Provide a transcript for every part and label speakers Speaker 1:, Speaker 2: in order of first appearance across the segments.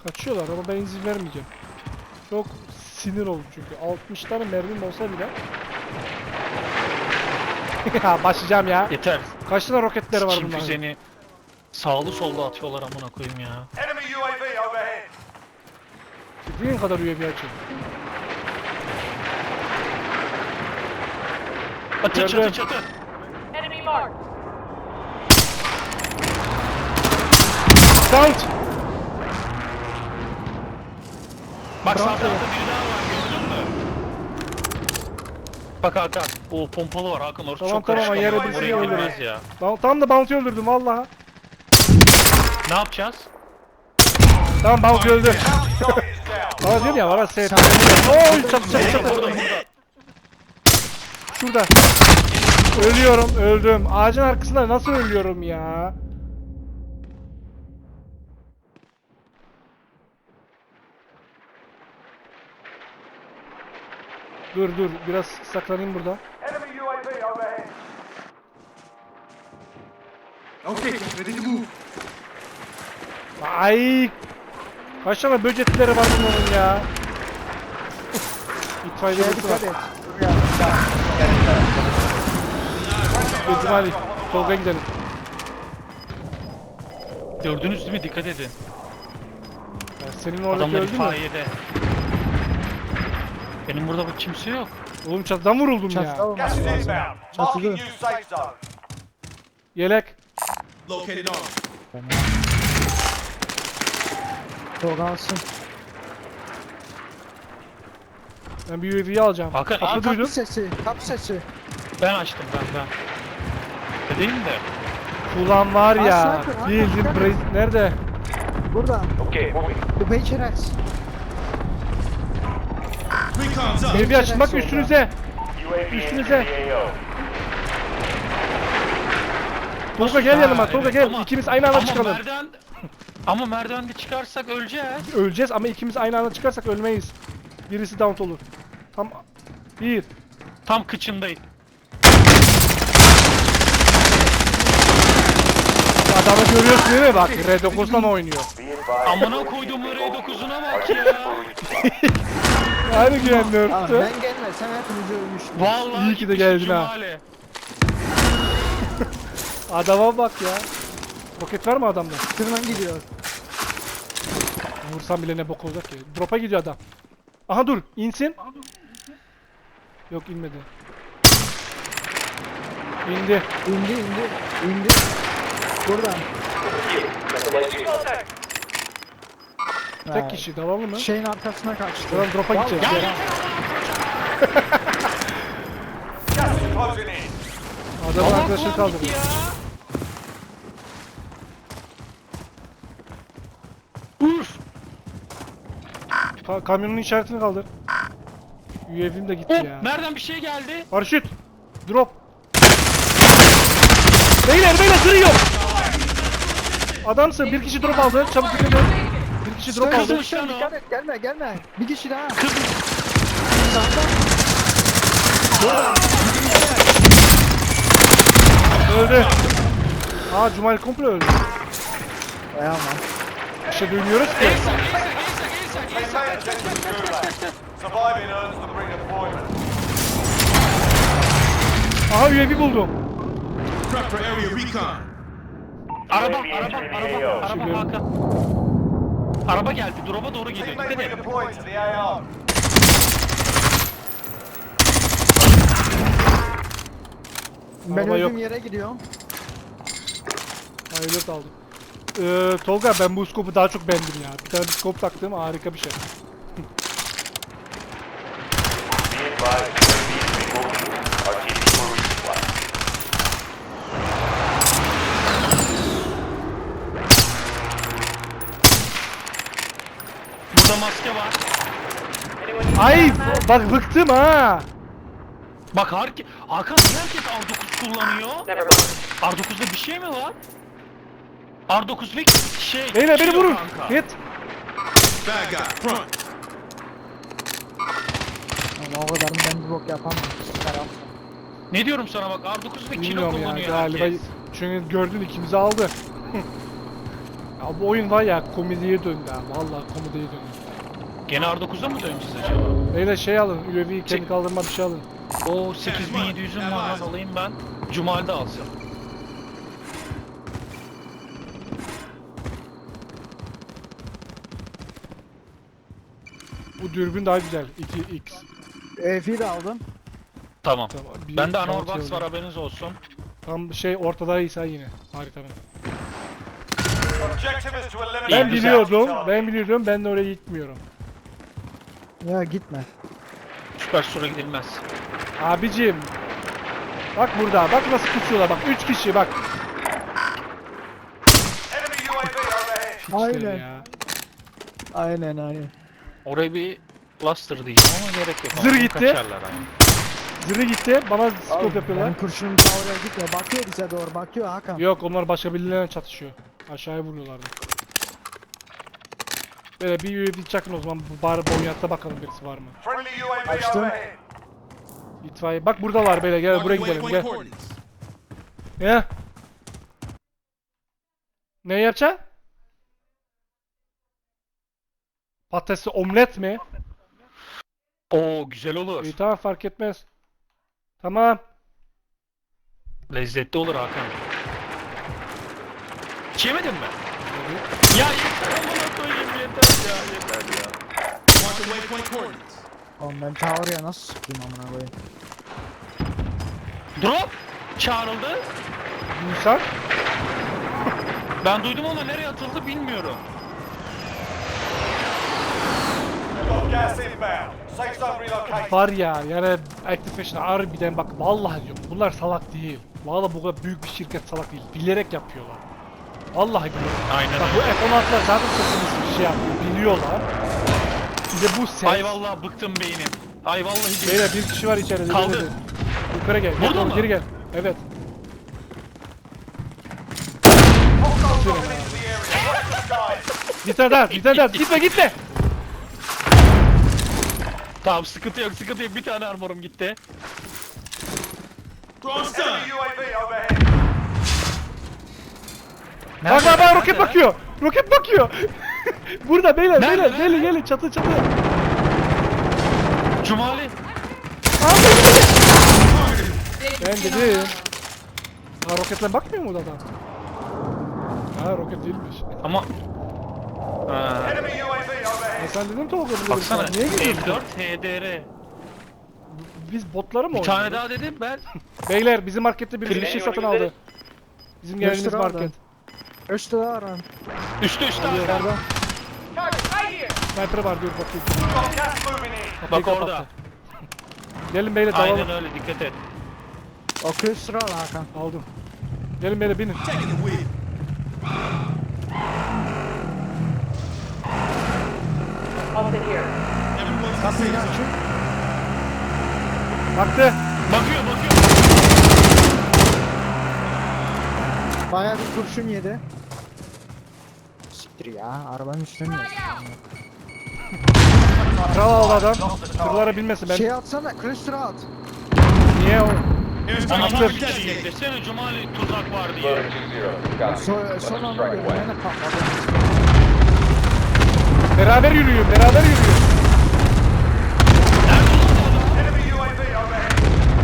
Speaker 1: Kaçıyorlar ama ben izin vermeyeceğim. Çok sinir oldum çünkü. 60 tane mermim olsa bile. Ya başlayacağım ya.
Speaker 2: Yeter.
Speaker 1: Kaç tane roketleri var
Speaker 2: Kim
Speaker 1: bunların?
Speaker 2: füzeni sağlı sollu atıyorlar amına koyayım ya.
Speaker 3: Enemy UAV overhead.
Speaker 1: Dediğin kadar UAV açın.
Speaker 2: Çatı
Speaker 1: Gördüm.
Speaker 2: çatı çatı.
Speaker 4: Enemy marked.
Speaker 1: Count!
Speaker 2: Bak sağ
Speaker 1: Bravo.
Speaker 2: tarafta biri daha var gördün mü? Bak Hakan. O pompalı var Hakan orası
Speaker 1: Tamam,
Speaker 2: çok
Speaker 1: tamam,
Speaker 2: karışık.
Speaker 1: yere
Speaker 2: Oraya
Speaker 1: birisini
Speaker 2: girmez
Speaker 1: öldürürüz.
Speaker 2: ya.
Speaker 1: Tam da Bounty öldürdüm vallahi.
Speaker 2: Ne yapacağız?
Speaker 1: Tamam Bounty öldü.
Speaker 3: Target is down.
Speaker 1: Bana diyorum ya bana set. Oy çatı çatı çatı.
Speaker 2: Burada.
Speaker 1: Şurada. Ölüyorum, öldüm. Ağacın arkasında nasıl ölüyorum ya? Dur biraz saklanayım burada.
Speaker 3: Enemy UAV overhead.
Speaker 5: Okay, ready to move.
Speaker 1: Ay! Kaç tane böcekleri var bunların ya? İtfaiye birisi var. Gözüm hadi. Tolga gidelim.
Speaker 2: Gördünüz değil mi? Dikkat edin.
Speaker 1: Ya senin oradaki
Speaker 2: Adamlar
Speaker 1: öldü mü?
Speaker 2: itfaiyede. Benim burada bak kimse yok.
Speaker 1: Oğlum çatıdan vuruldum ya.
Speaker 3: Gas is inbound. Marking new safe zone.
Speaker 1: Yelek.
Speaker 5: Located on.
Speaker 1: Ben bir UAV'yi alacağım.
Speaker 2: Hakan,
Speaker 1: Kapı
Speaker 2: Hakan
Speaker 1: duydum.
Speaker 6: Kapı sesi.
Speaker 2: Ben açtım ben. Değil mi de?
Speaker 1: Ulan var ya.
Speaker 6: sniper,
Speaker 1: Bildim
Speaker 6: Hakan,
Speaker 1: nerede?
Speaker 6: Burada.
Speaker 3: Okay, moving.
Speaker 6: The Bakerex.
Speaker 5: Recon's up.
Speaker 1: Evi açın bak üstünüze.
Speaker 3: UAV
Speaker 1: Üstünüze.
Speaker 3: entering the AO.
Speaker 1: Tolga gel yanıma.
Speaker 2: Ha,
Speaker 1: Tolga
Speaker 2: evet,
Speaker 1: gel.
Speaker 2: ama-
Speaker 1: İkimiz aynı anda
Speaker 2: ama
Speaker 1: çıkalım.
Speaker 2: Ama merdivende çıkarsak öleceğiz.
Speaker 1: Öleceğiz ama ikimiz aynı anda çıkarsak ölmeyiz. Birisi down olur. Tam bir.
Speaker 2: Tam kıçındayım.
Speaker 1: Adamı görüyorsun değil mi? Bak R9'dan oynuyor.
Speaker 3: Be advised.
Speaker 2: Amına koyduğum R9'una bak ya.
Speaker 1: Aynı güvenli
Speaker 6: Abi
Speaker 1: örttü.
Speaker 6: ben gelmesem hepimiz ölmüştük.
Speaker 2: Vallahi
Speaker 1: İyi ki de
Speaker 2: gitmişim
Speaker 1: geldin ha.
Speaker 2: Cumali.
Speaker 1: Adama bak ya. Roket var mı adamda?
Speaker 6: Tırman gidiyor.
Speaker 1: Vursam bile ne bok olacak ki. Drop'a gidiyor adam. Aha dur insin. Yok inmedi. İndi.
Speaker 6: İndi. Buradan.
Speaker 1: Tek kişi dalalım mı?
Speaker 6: Şeyin arkasına kaçtı.
Speaker 1: Tamam drop'a gideceğiz.
Speaker 2: Ya
Speaker 1: Gel.
Speaker 3: Gas is closing in.
Speaker 1: Adamın
Speaker 2: Allah
Speaker 1: arkadaşını
Speaker 2: kulağım
Speaker 1: kaldırdı.
Speaker 2: gitti ya. Uf.
Speaker 1: Kamyonun işaretini kaldır. UAV'im de gitti ya.
Speaker 2: Nereden bir şey geldi?
Speaker 1: Paraşüt. Drop. Beyler kırıyor. Adamsın. Bir kişi drop aldı. Çabuk dikkat et. Bir kişi drop aldı.
Speaker 2: Kızmış lan o.
Speaker 6: Dikkat et gelme. Bir kişi daha.
Speaker 2: Kız.
Speaker 6: Sağdan.
Speaker 1: Öldü. Aa Cumali komple öldü.
Speaker 6: Aman.
Speaker 1: Bir şey duymuyoruz ki.
Speaker 3: Maintain attention to gulag. Surviving earns them redeployment.
Speaker 1: Aha UAV buldum.
Speaker 5: Prep for area recon.
Speaker 2: Araba
Speaker 1: Şimdi-
Speaker 2: Hakan. Araba geldi. Drop'a doğru geliyor.
Speaker 3: Teammate
Speaker 2: Dikkat edin.
Speaker 3: redeployed to the AR.
Speaker 6: Ben
Speaker 1: Araba
Speaker 6: öldüğüm
Speaker 1: yok.
Speaker 6: yere gidiyorum.
Speaker 1: Hayır aldım. Tolga ben bu skopu daha çok beğendim ya. Bir tane skop taktım harika bir şey.
Speaker 3: Be advised, UAV moving. RTB for resupply.
Speaker 2: Burada maske var.
Speaker 1: Ay bak bıktım ha.
Speaker 2: Bak Hakan niye herkes R9 kullanıyor?
Speaker 4: Never mind.
Speaker 2: R9'da bir şey mi var? R9 ve şey...
Speaker 1: Beyler
Speaker 2: şey
Speaker 1: beni
Speaker 2: yok
Speaker 1: vurun.
Speaker 2: kanka.
Speaker 1: Hit.
Speaker 5: Bad guy, front.
Speaker 6: Ama o kadar ben bir bok yapamam. Çıkaram.
Speaker 2: Ne diyorum sana bak R9 ve kilo
Speaker 1: Bilmiyorum ya
Speaker 2: kullanıyor
Speaker 1: galiba.
Speaker 2: herkes.
Speaker 1: Çünkü gördün ikimizi aldı. Ya bu oyun var ya komediye döndü ha. Vallahi komediye döndü.
Speaker 2: Gene R9'a mı döneceğiz acaba?
Speaker 1: Beyler şey alın. UAV'yi kendi kaldırma bir şey alın.
Speaker 2: O 8700'üm var lan, alayım ben. Cumali de alsın.
Speaker 1: Bu dürbün daha güzel. 2x.
Speaker 6: EF'i de aldım.
Speaker 2: Tamam.
Speaker 1: Tamam, bir
Speaker 2: Bende
Speaker 1: altı
Speaker 2: Anor Box
Speaker 1: yolda.
Speaker 2: var, haberiniz olsun.
Speaker 1: Tam şey ortadaysa yine. Haritanın.
Speaker 3: Objective is to eliminate
Speaker 1: Ben
Speaker 3: the
Speaker 1: biliyordum.
Speaker 3: target.
Speaker 1: Ben biliyordum. Ben de oraya gitmiyorum.
Speaker 6: Ya gitme.
Speaker 2: Süper Store'a gidilmez.
Speaker 1: Abicim. Bak burada. Bak nasıl kusuyorlar. Bak 3 kişi bak.
Speaker 3: Enemy UAV overhead.
Speaker 1: İşte
Speaker 6: Aynen.
Speaker 1: ya.
Speaker 6: Aynen.
Speaker 2: Oraya bir cluster diyeceğim ama gerek yok.
Speaker 1: Zır
Speaker 2: Ama
Speaker 1: gitti.
Speaker 2: Kaçarlar yani.
Speaker 1: Zırhı gitti. Bana scope yapıyorlar.
Speaker 6: Benim kurşunum ta oraya gitmiyor. Bakıyor bize doğru. Bakıyor Hakan.
Speaker 1: Yok onlar başka birilerine çatışıyor. Aşağıya vuruyorlardı. Böyle bir UAV çakın o zaman. Bari bonyatta bakalım birisi var mı?
Speaker 3: Friendly UAV
Speaker 6: Açtım.
Speaker 3: overhead.
Speaker 1: İtfaiye. Bak buradalar böyle. Gel buraya
Speaker 5: Marking
Speaker 1: gidelim.
Speaker 5: waypoint
Speaker 1: Gel.
Speaker 5: coordinates.
Speaker 1: Ne? Ne yapacaksın? Patatesli omlet mi?
Speaker 2: Oo, güzel olur.
Speaker 1: İyi tamam fark etmez. Tamam.
Speaker 2: Lezzetli olur Hakan. Hiç yemedin mi? Ya yeter, amına koyayım, yeter ya, yeter ya.
Speaker 5: Marking waypoint coordinates.
Speaker 6: Oğlum ben ta oraya nasıl sıkayım amına koyayım.
Speaker 2: Drop çağrıldı.
Speaker 1: İnsan.
Speaker 2: Ben duydum ama nereye atıldı bilmiyorum.
Speaker 3: We've got gas inbound. Safe zone relocated.
Speaker 1: Var ya yani Activision harbiden bak vallahi diyorum bunlar salak değil. Vallahi bu kadar büyük bir şirket salak değil. Bilerek yapıyorlar. Vallahi biliyorum.
Speaker 2: Aynen
Speaker 1: Bak bu
Speaker 2: öyle.
Speaker 1: F-16'lar zaten sesimiz bir şey yapıyor. Biliyorlar. Bir de bu ses.
Speaker 2: Ay vallahi bıktım beynim. Ay vallahi beynim.
Speaker 1: Beyler bir kişi var içeride.
Speaker 2: Kaldı.
Speaker 1: Gel, gel. Yukarı gel.
Speaker 2: Burada
Speaker 1: Gel,
Speaker 2: mı?
Speaker 1: geri gel. Evet.
Speaker 3: Hostiles dropping into the area. Watch the skies.
Speaker 1: Bir tane daha. Bir tane daha. Gitme gitme.
Speaker 2: Tamam, sıkıntı yok, sıkıntı yok. Bir tane armorum gitti.
Speaker 5: Throwing stun.
Speaker 3: Enemy UAV overhead.
Speaker 1: Bak bak bak roket bakıyor. Roket bakıyor. Burada beyler
Speaker 2: Nerede,
Speaker 1: beyler.
Speaker 2: nerede?
Speaker 1: Gelin gelin çatı çatı.
Speaker 2: Cumali.
Speaker 1: Ben dedim. Ha roketle bakmıyor mu adam? Ha roket değilmiş.
Speaker 2: Ama...
Speaker 3: Enemy UAV overhead.
Speaker 1: Ya sen dedim Tolga burada
Speaker 2: Baksana,
Speaker 1: birisi var. Niye gidiyorsun?
Speaker 2: M4 HDR.
Speaker 1: Biz botları mı
Speaker 2: Bir tane
Speaker 1: oynuyoruz?
Speaker 2: daha dedim ben.
Speaker 1: Beyler bizim markette bir şey satın aldı. Bizim geldiğimiz
Speaker 6: Göster abi.
Speaker 1: market.
Speaker 6: Üstte daha aran.
Speaker 2: Üstte Hakan.
Speaker 6: Yukarıda.
Speaker 4: Target right here.
Speaker 1: Sniper var dur bakayım.
Speaker 3: We've got gas moving in.
Speaker 1: Kapıyı
Speaker 2: Bak orada.
Speaker 1: kapattı. Gelin beyler
Speaker 2: Aynen
Speaker 1: dalalım.
Speaker 2: öyle, dikkat et.
Speaker 6: O cluster al Hakan.
Speaker 1: Aldım. Gelin beyler binin.
Speaker 5: Taking the wheel.
Speaker 4: Halted here.
Speaker 5: Everyone's in the safe zone.
Speaker 1: Baktı.
Speaker 2: Bakıyor, bakıyor.
Speaker 6: Bayağı bir kurşun yedi. Siktir ya. Arabanın üstüne mi yedi?
Speaker 1: Kral aldı adam. Tırlara binmesin ben.
Speaker 6: Şey atsana. Cluster at.
Speaker 1: Niye o?
Speaker 5: Airstrike
Speaker 2: Ama
Speaker 5: marker
Speaker 2: bir şey
Speaker 5: designated.
Speaker 2: desene, Cumali tuzak var diye.
Speaker 6: Son anda gördüm. Yine patladı.
Speaker 1: Beraber yürüyün beraber yürüyün.
Speaker 3: Enemy UAV overhead.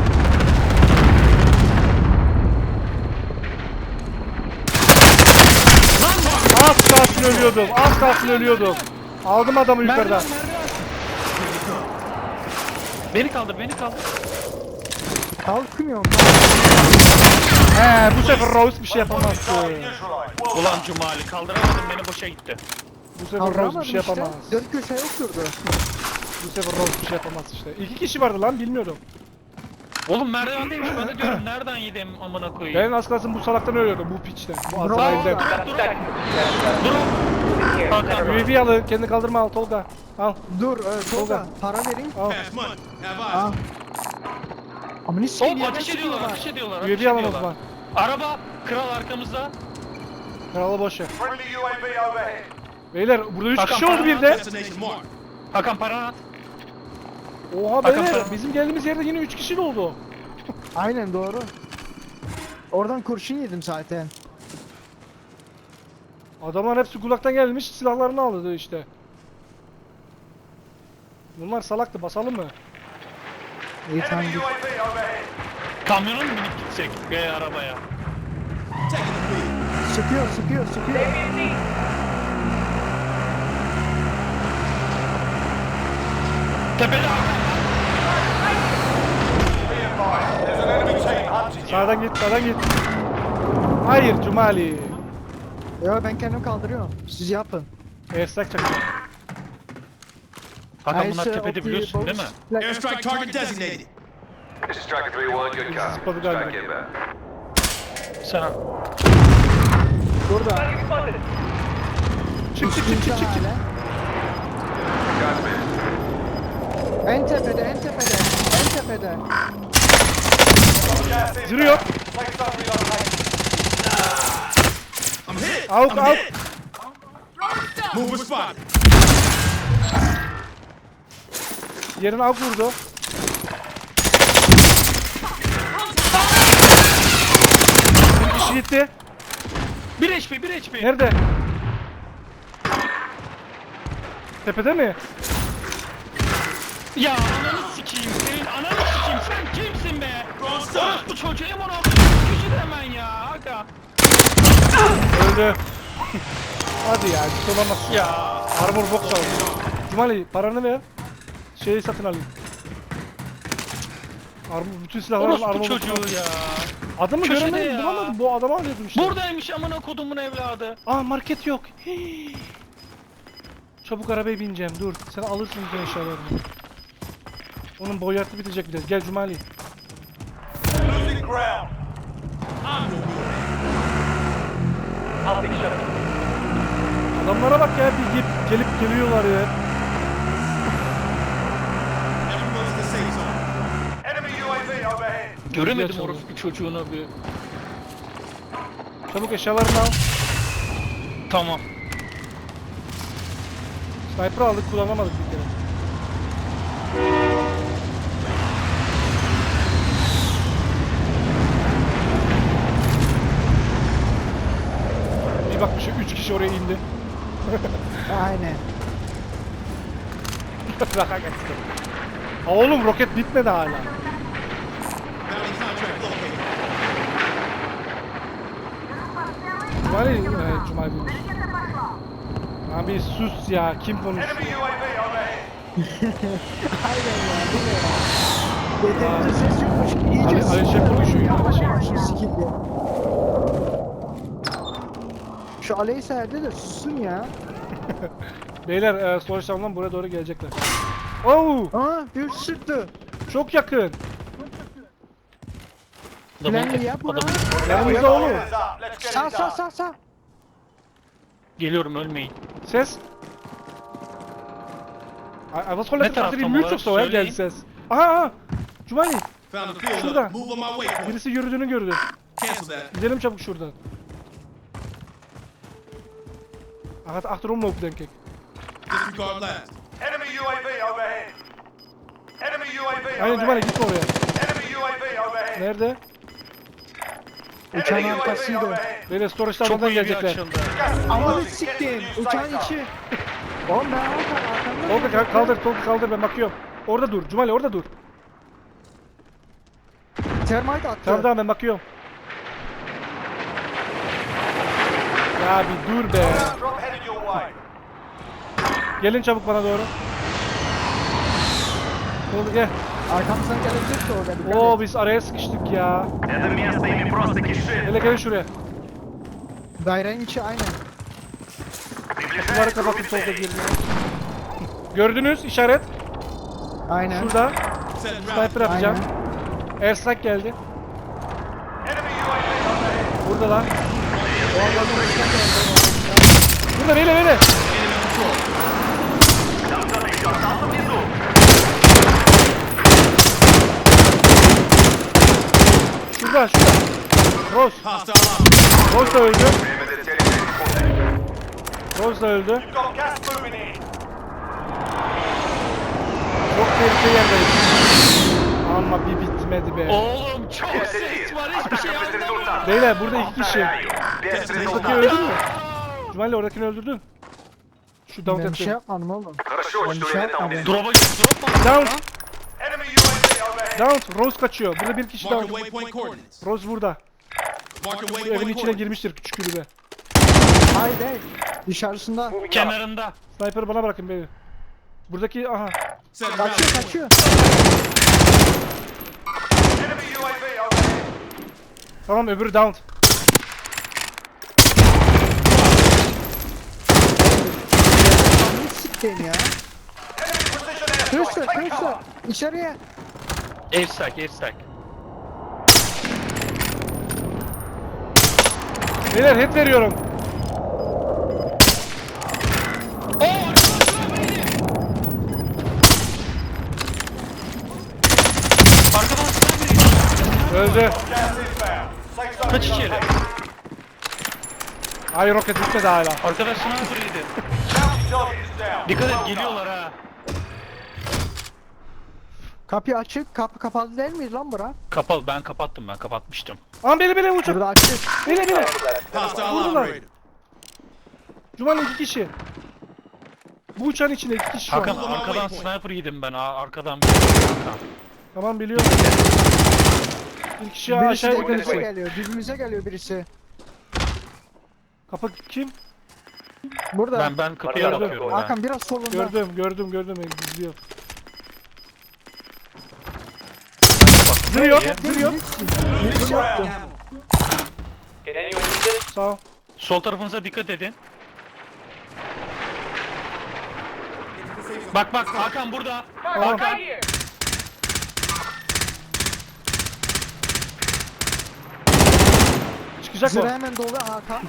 Speaker 1: Az kalsın ölüyordum. Az kalsın ölüyordum. Aldım adamı yukarıdan.
Speaker 2: Beni kaldır, beni kaldır.
Speaker 6: Kalkmıyorum.
Speaker 1: He bu sefer Rose bir şey yapamazdı.
Speaker 3: Target neutralized. Well
Speaker 2: Ulan
Speaker 3: done.
Speaker 2: Cumali, kaldıramadım, beni boşa gitti.
Speaker 1: Bu sefer Rose
Speaker 6: Kaldıramadım
Speaker 1: bir şey
Speaker 6: işte.
Speaker 1: yapamaz.
Speaker 6: Dört köşeye oturdu.
Speaker 1: Bu sefer Rose bir şey yapamaz işte. 2 kişi vardı lan bilmiyordum.
Speaker 2: Oğlum merdivendeymiş, ben de diyorum nereden yedim amına koyayım.
Speaker 1: Ben az kalsın bu salaktan ölüyordum bu piçten. Bu
Speaker 6: Bravo.
Speaker 1: Azrail'den.
Speaker 2: Dur.
Speaker 4: Here.
Speaker 2: Hakan.
Speaker 1: UAV alın kendi kaldırma al Tolga. Al
Speaker 6: Dur, Tolga.
Speaker 1: Tolga.
Speaker 6: Para vereyim.
Speaker 1: al.
Speaker 5: Pass money. Have
Speaker 6: Al.
Speaker 5: eyes.
Speaker 6: Ama ne sikeyim
Speaker 2: Hop,
Speaker 6: yerden
Speaker 2: ateş ediyorlar,
Speaker 6: sıkıyorlar.
Speaker 2: ateş ediyorlar, ateş
Speaker 1: UAV alın o
Speaker 2: ediyorlar.
Speaker 1: zaman.
Speaker 2: Araba, kral arkamızda.
Speaker 1: Kralı boş ver.
Speaker 3: Friendly UAV overhead.
Speaker 1: Beyler burada 3
Speaker 2: Hakan,
Speaker 1: kişi oldu
Speaker 2: para
Speaker 1: bir de.
Speaker 5: Destination marked.
Speaker 2: Hakan, paranı at.
Speaker 1: Oha
Speaker 2: Hakan,
Speaker 1: beyler
Speaker 2: para.
Speaker 1: bizim geldiğimiz yerde yine 3 kişi de oldu.
Speaker 6: Aynen doğru. Oradan kurşun yedim zaten.
Speaker 1: Adamlar hepsi kulaktan gelmiş, silahlarını aldı işte. Bunlar salaktı, basalım mı?
Speaker 6: İyi tamam.
Speaker 3: Enemy UAV overhead.
Speaker 2: Kamyona mı binip gitsek veya arabaya?
Speaker 5: Taking the lead.
Speaker 6: Sıkıyor sıkıyor sıkıyor.
Speaker 2: Tepede Hakan.
Speaker 3: Be advised, there's an enemy team hunting you.
Speaker 1: Sağdan git, sağdan git. Hayır Cumali.
Speaker 6: Ya ben kendim kaldırıyorum. Siz yapın.
Speaker 1: Airstrike çakıyor.
Speaker 2: Hakan bunlar tepede biliyorsun değil mi?
Speaker 5: Airstrike target designated.
Speaker 3: This is Striker 3-1, good copy.
Speaker 1: Zıpladı galiba.
Speaker 3: Strike inbound.
Speaker 2: Sen
Speaker 6: Burada.
Speaker 1: Çık çık çık çık çık.
Speaker 6: Hala.
Speaker 3: Copy.
Speaker 6: En tepede en tepede. En tepede.
Speaker 3: Gas inbound.
Speaker 1: Zırı yok.
Speaker 3: Safe zone relocated.
Speaker 5: I'm hit.
Speaker 1: Out
Speaker 5: I'm
Speaker 1: out.
Speaker 5: hit. Mover spotted.
Speaker 1: Yerine av vurdu. Bir kişi gitti.
Speaker 2: 1 HP 1 HP.
Speaker 1: Nerede? Tepede mi?
Speaker 2: Ya ananı sikeyim senin ananı sikeyim sen kimsin be? Orospu çocuğu M16 kişi de hemen ya Hakan.
Speaker 1: Öldü. Hadi ya, hiç olamaz.
Speaker 2: Ya
Speaker 1: Armor box aldım. Cumali paranı ver. Şeyi satın alayım. Armor, bütün silahlarım
Speaker 2: orospu
Speaker 1: armor box
Speaker 2: çocuğu
Speaker 1: aldım.
Speaker 2: ya.
Speaker 1: Adamı
Speaker 2: Köşede
Speaker 1: göremedim,
Speaker 2: ya.
Speaker 1: bulamadım. Bu adamı arıyordum işte.
Speaker 2: Buradaymış amına kodumun evladı.
Speaker 1: Aa market yok. Hii. Çabuk arabaya bineceğim. Dur. Sen alırsın bütün eşyalarını. Onun boyatı bitecek biraz. Gel Cumali.
Speaker 3: Losing ground.
Speaker 5: I'm no good.
Speaker 4: I'll take shot.
Speaker 1: Adamlara bak ya, bir gelip geliyorlar ya.
Speaker 5: Everyone's in the safe zone.
Speaker 3: Enemy UAV overhead.
Speaker 2: Göremedim
Speaker 1: Geçelim.
Speaker 2: orospu çocuğunu bir.
Speaker 1: Çabuk eşyalarını al.
Speaker 2: Tamam.
Speaker 1: Sniper aldık, kullanamadık bir kere. Bir bakmışım 3 kişi oraya indi.
Speaker 6: Aynen.
Speaker 1: Raka geçti. Oğlum roket bitmedi hala.
Speaker 5: Bounty contract located.
Speaker 1: Cumali bulmuş. Abi sus ya, kim konuşuyor?
Speaker 3: Enemy UAV overhead.
Speaker 6: Aynen ya. Bu ne ya? Yeterince ses yokmuş ki. İyice
Speaker 1: Ali Şef konuşuyor ya, Ali Şef.
Speaker 6: Şu sikildi. Şu Aleysa evde de sussun ya.
Speaker 1: Beyler Sonuçlarından buraya doğru gelecekler. Oo,
Speaker 6: Aa bir sıktı.
Speaker 1: çok yakın.
Speaker 6: Planlı yap bunu.
Speaker 1: Yanımızda oğlum.
Speaker 3: Hands up. Let's get
Speaker 6: Sağ
Speaker 3: it
Speaker 6: sağ
Speaker 3: done.
Speaker 6: sağ sağ.
Speaker 2: Geliyorum ölmeyin.
Speaker 1: Ses. Was soll
Speaker 2: Ne
Speaker 1: das?
Speaker 2: taraftan
Speaker 1: Die
Speaker 2: olarak
Speaker 1: Mütze so,
Speaker 2: söyleyin.
Speaker 1: geldi ses. Aha, Cumali.
Speaker 5: Found a field
Speaker 1: Şurada.
Speaker 5: up. Move on my way point.
Speaker 1: Birisi yürüdüğünü gördü.
Speaker 5: Cancel that.
Speaker 1: Gidelim çabuk şuradan. Achterom lopen denk ik.
Speaker 5: Disregard last.
Speaker 3: Enemy UAV overhead. Enemy UAV
Speaker 1: Aynen Cumali
Speaker 3: overhead.
Speaker 1: gitme oraya.
Speaker 3: Enemy UAV overhead.
Speaker 1: Nerede?
Speaker 6: Uçağın
Speaker 3: Enemy UAV
Speaker 6: arkasıydı.
Speaker 3: overhead.
Speaker 1: Böyle storage'dan
Speaker 2: Çok
Speaker 1: buradan
Speaker 2: iyi bir
Speaker 1: gelecekler.
Speaker 2: açıldı.
Speaker 3: Gas is
Speaker 6: Amanı
Speaker 3: closing. Get to the
Speaker 6: siktim.
Speaker 3: new
Speaker 6: Uçağın
Speaker 3: safe
Speaker 6: içi.
Speaker 3: zone.
Speaker 6: Oğlum ben arkamda.
Speaker 1: Kaldır kaldır ben bakıyorum. Orada dur Cumali, orada dur.
Speaker 6: Termite attı.
Speaker 1: Tamam ben bakıyorum. Ya bir dur be.
Speaker 3: Drop headed your way.
Speaker 1: Gelin çabuk bana doğru. Oldu gel.
Speaker 6: Arkamızdan gelecek de orada. dikkat
Speaker 1: Oo
Speaker 6: et.
Speaker 1: biz araya sıkıştık ya.
Speaker 3: Это место ими просто кишит.
Speaker 1: Hele gelin şuraya.
Speaker 6: Dairenin içi aynen.
Speaker 1: Bunları kapatın solda girmeyin. Gördünüz işaret.
Speaker 6: Aynen.
Speaker 1: Şurada.
Speaker 5: Setting route.
Speaker 1: Sniper atacağım.
Speaker 6: Aynen.
Speaker 1: Airstrike geldi.
Speaker 3: Enemy UAV overhead.
Speaker 1: Buradalar. Burada böyle.
Speaker 5: Enemy control.
Speaker 1: Şurada. Rose.
Speaker 5: Hostile out.
Speaker 1: Rose da öldü.
Speaker 3: Время до цели 3 секунды.
Speaker 1: Rose da öldü.
Speaker 3: You've got gas moving in.
Speaker 1: Çok tehlikeli yerdeyiz. Ama bir bitmedi be.
Speaker 2: Oğlum çok ses var hiçbir şey anlamıyorum.
Speaker 1: Beyler burada 2 kişi.
Speaker 3: Без
Speaker 1: Buradaki
Speaker 3: результата.
Speaker 1: öldü mü? Cumali oradakini öldürdün. Şu down
Speaker 6: Ben bir şey
Speaker 1: ettim.
Speaker 6: yapmadım oğlum.
Speaker 3: Хорошо,
Speaker 6: Ben bir
Speaker 3: что
Speaker 6: şey
Speaker 3: именно
Speaker 6: yapmadım.
Speaker 3: убили.
Speaker 2: Drop'a drop mu?
Speaker 1: Down.
Speaker 3: Enemy UAV overhead.
Speaker 1: Down. Rose kaçıyor. Burada bir kişi
Speaker 5: Mark
Speaker 1: down.
Speaker 5: your waypoint coordinates.
Speaker 1: Rose burada.
Speaker 5: Mark your
Speaker 1: Bu evin
Speaker 5: waypoint
Speaker 1: içine
Speaker 5: coordinates.
Speaker 1: girmiştir küçük kulübe.
Speaker 6: Hayır değil. Dışarısında.
Speaker 2: Kenarında.
Speaker 1: Sniper'ı bana bırakın beni. Buradaki aha.
Speaker 5: Set a rally
Speaker 6: Kaçıyor
Speaker 5: point.
Speaker 6: kaçıyor.
Speaker 3: Enemy UAV overhead.
Speaker 1: Tamam öbürü down.
Speaker 6: Ne siktin ya?
Speaker 3: Enemy precision airstrike.
Speaker 6: Kırıştır
Speaker 3: Take
Speaker 6: kırıştır.
Speaker 3: cover.
Speaker 6: İçeriye.
Speaker 2: Airstrike.
Speaker 1: Beyler head veriyorum.
Speaker 2: Arkadan sniper.
Speaker 1: Öldü.
Speaker 3: Gas inbound. Safe zone
Speaker 2: Kaç içeri?
Speaker 3: relocated.
Speaker 1: Ay roket bitmedi hala.
Speaker 2: Arkadaş sniper yedi.
Speaker 3: Bounty target is down.
Speaker 2: Dikkat
Speaker 3: Well
Speaker 2: et
Speaker 3: done.
Speaker 2: geliyorlar ha.
Speaker 6: Kapı açık. Kapı kapalı değil miydi lan bura?
Speaker 2: Kapalı, ben kapatmıştım.
Speaker 1: Aman beni uçak.
Speaker 6: Burada açık.
Speaker 1: Beni.
Speaker 5: Hostile
Speaker 1: Vurdular.
Speaker 5: operator.
Speaker 1: Cumali 2 kişi. Bu uçağın içinde 2 kişi şu
Speaker 2: Hakan
Speaker 1: an.
Speaker 2: arkadan sniper yedim ben arkadan bir Hakan.
Speaker 1: Tamam biliyorum. Bir kişi
Speaker 6: Birisi
Speaker 1: aşağıya
Speaker 6: dibimize
Speaker 1: gidecek.
Speaker 6: geliyor. Dibimize geliyor birisi.
Speaker 1: Kapı kim?
Speaker 6: Burada.
Speaker 2: Ben kapıya
Speaker 1: Gördüm.
Speaker 2: bakıyorum ben.
Speaker 6: Hakan biraz solunda.
Speaker 1: Gördüm. Gizliyor.
Speaker 2: Bak,
Speaker 1: Duruyor.
Speaker 6: Birisi yoktu.
Speaker 1: Sağ ol.
Speaker 2: Sol tarafınıza dikkat edin. Bak Hakan burada.
Speaker 1: Tamam.
Speaker 4: Right here.
Speaker 1: Çıkacak
Speaker 6: Zırh
Speaker 1: o.
Speaker 6: hemen dolu Hakan.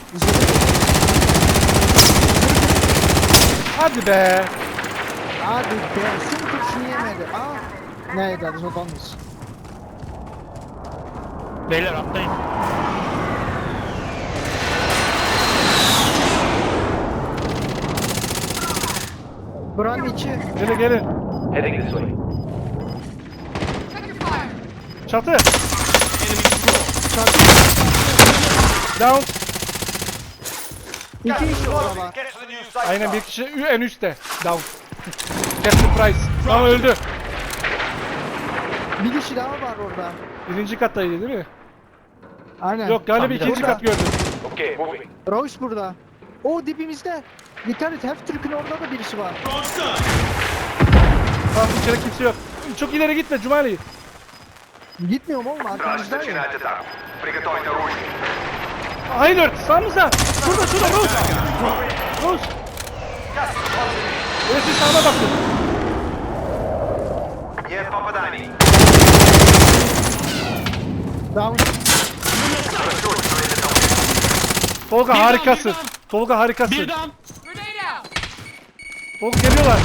Speaker 1: Hadi be.
Speaker 6: Hadi be. Şunu kurşunu yemedi. Aa. Neydi adı odanız?
Speaker 2: Beyler atlayın.
Speaker 6: Buranın içi.
Speaker 1: Gelin.
Speaker 3: Heading this way.
Speaker 4: Check your fire.
Speaker 1: Çatı.
Speaker 5: Enemy control.
Speaker 1: Down.
Speaker 6: İki kişi orada
Speaker 3: Closing.
Speaker 6: var.
Speaker 3: Get to the new safe
Speaker 1: Aynen
Speaker 3: zone.
Speaker 1: bir kişi en üstte. Down. Captain Price. Tamam öldü.
Speaker 6: Bir kişi daha var orada.
Speaker 1: Birinci kattaydı değil mi?
Speaker 6: Aynen.
Speaker 1: Yok galiba
Speaker 2: Tamam,
Speaker 1: ikinci
Speaker 6: burada.
Speaker 1: kat gördüm.
Speaker 3: Okay, moving.
Speaker 6: Royce burada. O dibimizde. Dikkat et. Half-Türk'ün orada da birisi var.
Speaker 5: Throwing stun.
Speaker 1: Tamam içeri kimse yok. Çok ileri gitme Cumali.
Speaker 6: Gitmiyorum oğlum. Arkamızda ya.
Speaker 3: атаку. Приготовить оружие.
Speaker 1: Hayır sağımıza. Şurada Rose. Rose. Evet siz sağına bakın.
Speaker 3: Нет попаданий.
Speaker 6: Down.
Speaker 1: Tolga
Speaker 2: Birden,
Speaker 1: harikasın.
Speaker 2: birden.
Speaker 1: Tolga harikasın.
Speaker 2: Birden.
Speaker 4: Grenade out.
Speaker 1: Tolga geliyorlar.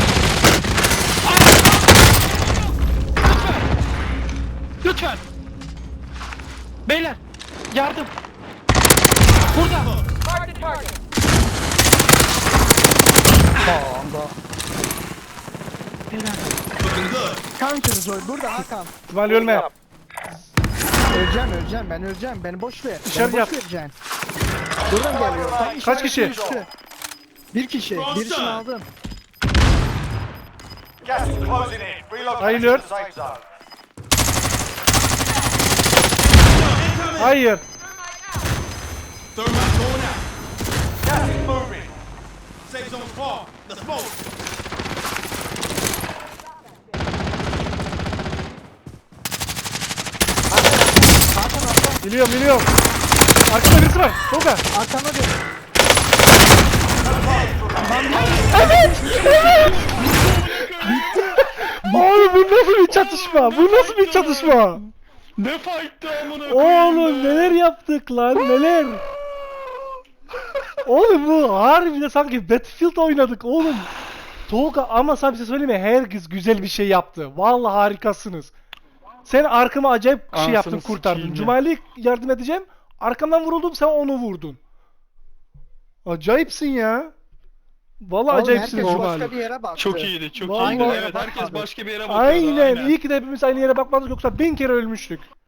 Speaker 2: Lütfen. Beyler yardım. Burada.
Speaker 4: Mark the target.
Speaker 5: Looking good.
Speaker 6: Counter Zoy. Burada Hakan.
Speaker 1: Cumali ölme.
Speaker 6: Öleceğim. Ben öleceğim. Beni boş ver.
Speaker 1: Dışarı
Speaker 6: Beni boş
Speaker 1: yap.
Speaker 6: vereceksin. Buradan geliyor. Tam
Speaker 1: Kaç
Speaker 6: işaretin
Speaker 1: kişi?
Speaker 6: üstü. Bir kişi. Birisini aldım.
Speaker 3: Gas is closing in. Relocating
Speaker 1: Hayır.
Speaker 3: to the safe zone.
Speaker 1: Hayır.
Speaker 5: Thermite going out.
Speaker 3: Gas is moving.
Speaker 5: Safe zone's far. Let's move.
Speaker 1: Biliyorum. Arkada birisi var. Tolga.
Speaker 6: Arkana dön.
Speaker 1: Oğlum bu nasıl bir çatışma? Bu nasıl bir çatışma?
Speaker 2: Ne fight'tı amına
Speaker 1: Oğlum neler yaptık lan neler? Oğlum bu harbiden sanki Battlefield oynadık oğlum. Tolga ama sana bir şey söyleyeyim mi? Herkes güzel bir şey yaptı. Vallahi harikasınız. Sen arkama acayip bir şey
Speaker 2: Anasını
Speaker 1: yaptın kurtardın.
Speaker 2: sikeyim ya.
Speaker 1: Cumali'ye yardım edeceğim. Arkamdan vuruldum sen onu vurdun. Acayipsin ya. Vallahi
Speaker 6: Oğlum
Speaker 1: acayipsin
Speaker 6: herkes
Speaker 1: Cumali.
Speaker 6: başka bir yere baktı.
Speaker 2: Çok iyiydi, çok
Speaker 1: Vallahi-
Speaker 2: iyiydi. Evet, herkes başka bir yere bakıyordu.
Speaker 1: Aynen. İyi ki de hepimiz aynı yere bakmadık yoksa 1000 kere ölmüştük.